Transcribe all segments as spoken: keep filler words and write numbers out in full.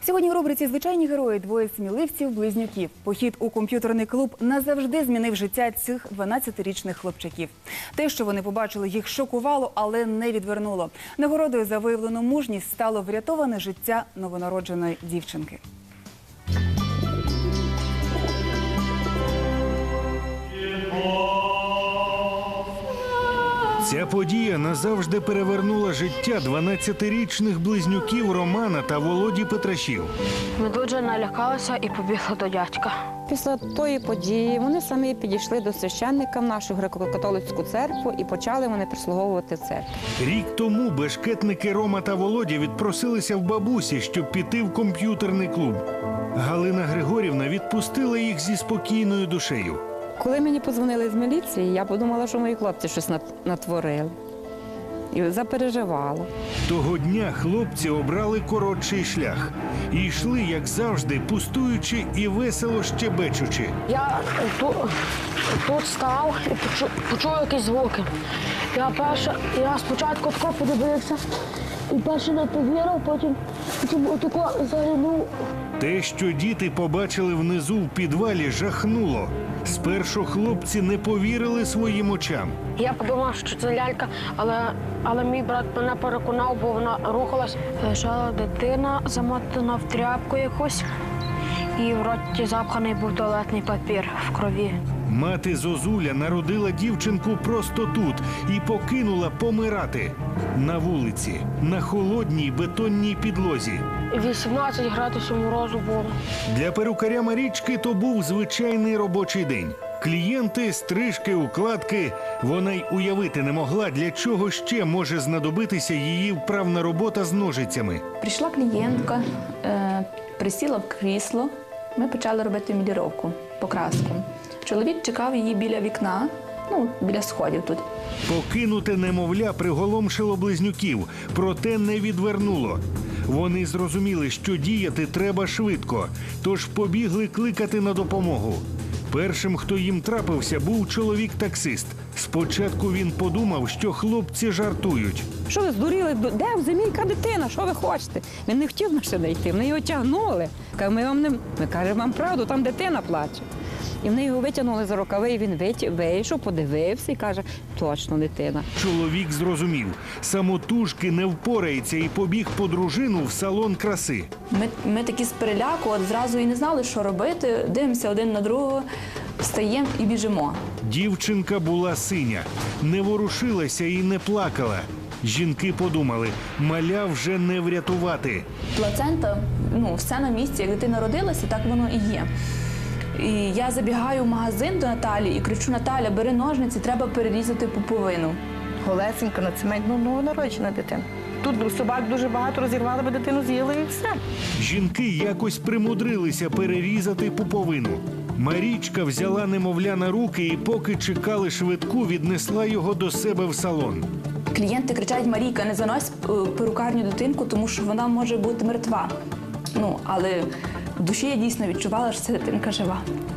Сьогодні в рубриці «Звичайні герої» двоє сміливців-близнюків. Похід у комп'ютерний клуб назавжди змінив життя цих дванадцятирічних хлопчаків. Те, що вони побачили, їх шокувало, але не відвернуло. Нагородою за виявлену мужність стало врятоване життя новонародженої дівчинки. Ця подія назавжди перевернула життя дванадцятирічних близнюків Романа та Володі Петрашів. Ми дуже налякалися і побігли до дядька. Після тої події вони самі підійшли до священника в нашу греко-католицьку церкву і почали вони прислуговувати церкву. Рік тому бешкетники Рома та Володя відпросилися в бабусі, щоб піти в комп'ютерний клуб. Галина Григорівна відпустила їх зі спокійною душею. Коли мені подзвонили з міліції, я подумала, що мої хлопці щось натворили. І запереживала. Того дня хлопці обрали коротший шлях. І йшли, як завжди, пустуючи і весело щебечучи. Я тут, тут став і почув, почув якісь звуки. Я, перше, я спочатку тако подивився, і перше не повірив, потім, потім отако заглянув. Те, що діти побачили внизу в підвалі, жахнуло. Спершу хлопці не повірили своїм очам. Я подумав, що це лялька, але, але мій брат мене переконав, бо вона рухалась. Лежала дитина, замотана в тряпку якусь, і в роті запханий був туалетний папір в крові. Мати Зозуля народила дівчинку просто тут і покинула помирати. На вулиці, на холодній бетонній підлозі. вісімнадцять градусів морозу було. Для перукаря Марічки то був звичайний робочий день. Клієнти, стрижки, укладки. Вона й уявити не могла, для чого ще може знадобитися її вправна робота з ножицями. Прийшла клієнтка, е, присіла в крісло, ми почали робити міліровку, покраску. Чоловік чекав її біля вікна, ну, біля сходів тут. Покинуте немовля приголомшило близнюків, проте не відвернуло. Вони зрозуміли, що діяти треба швидко, тож побігли кликати на допомогу. Першим, хто їм трапився, був чоловік-таксист. Спочатку він подумав, що хлопці жартують. Що ви здуріли? Де в зимі яка дитина? Що ви хочете? Він не хотів на сюди йти, вони його тягнули. Каже, ми вам не... Ми кажемо вам правду, там дитина плаче. І вони його витягнули за рукави, і він вийшов, подивився і каже, точно дитина. Чоловік зрозумів, самотужки не впорається і побіг по дружину в салон краси. Ми, ми такі з переляку, от зразу і не знали, що робити, дивимося один на другого, встаємо і біжимо. Дівчинка була синя, не ворушилася і не плакала. Жінки подумали, маля вже не врятувати. Плацента, ну, все на місці, як дитина родилася, так воно і є. І я забігаю в магазин до Наталі і кричу: Наталя, бери ножниці, треба перерізати пуповину. Голесенька на цементну новонароджена дитина. Тут собак дуже багато розірвали, бо дитину з'їли і все. Жінки якось примудрилися перерізати пуповину. Марічка взяла немовля на руки і, поки чекали швидку, віднесла його до себе в салон. Клієнти кричать: Марійка, не занось в перукарню дитинку, тому що вона може бути мертва. Ну, але в душі я дійсно відчувала, що ця дитинка жива.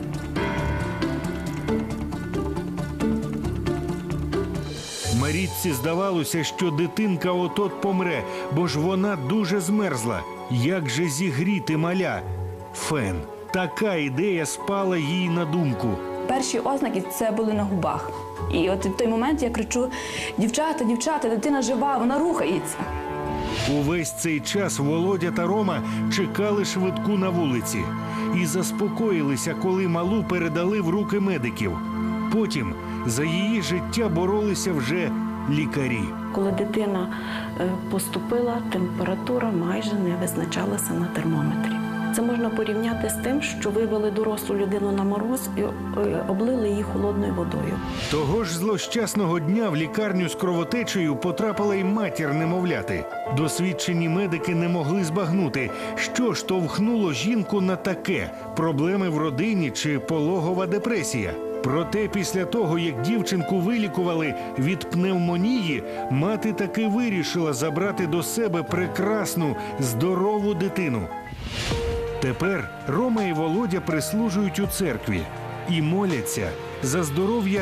Марічці здавалося, що дитинка от-от помре, бо ж вона дуже змерзла. Як же зігріти маля? Фен. Така ідея спала їй на думку. Перші ознаки – це були на губах. І от в той момент я кричу: дівчата, дівчата, дитина жива, вона рухається. Увесь цей час Володя та Рома чекали швидку на вулиці і заспокоїлися, коли малу передали в руки медиків. Потім за її життя боролися вже лікарі. Коли дитина поступила, температура майже не визначалася на термометрі. Це можна порівняти з тим, що вивели дорослу людину на мороз і облили її холодною водою. Того ж злощасного дня в лікарню з кровотечею потрапила й матір немовляти. Досвідчені медики не могли збагнути, що штовхнуло жінку на таке – проблеми в родині чи пологова депресія. Проте після того, як дівчинку вилікували від пневмонії, мати таки вирішила забрати до себе прекрасну, здорову дитину. Тепер Рома і Володя прислужують у церкві і моляться за здоров'я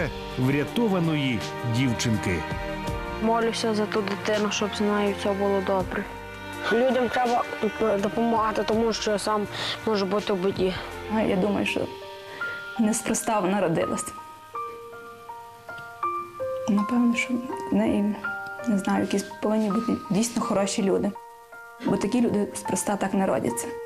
врятованої дівчинки. Молюся за ту дитину, щоб з нею все було добре. Людям треба допомагати, тому що сам може бути в біді. А я думаю, що неспроста вона родилась. Напевно, що в неї, не знаю, якісь повинні бути дійсно хороші люди. Бо такі люди спроста так не родяться.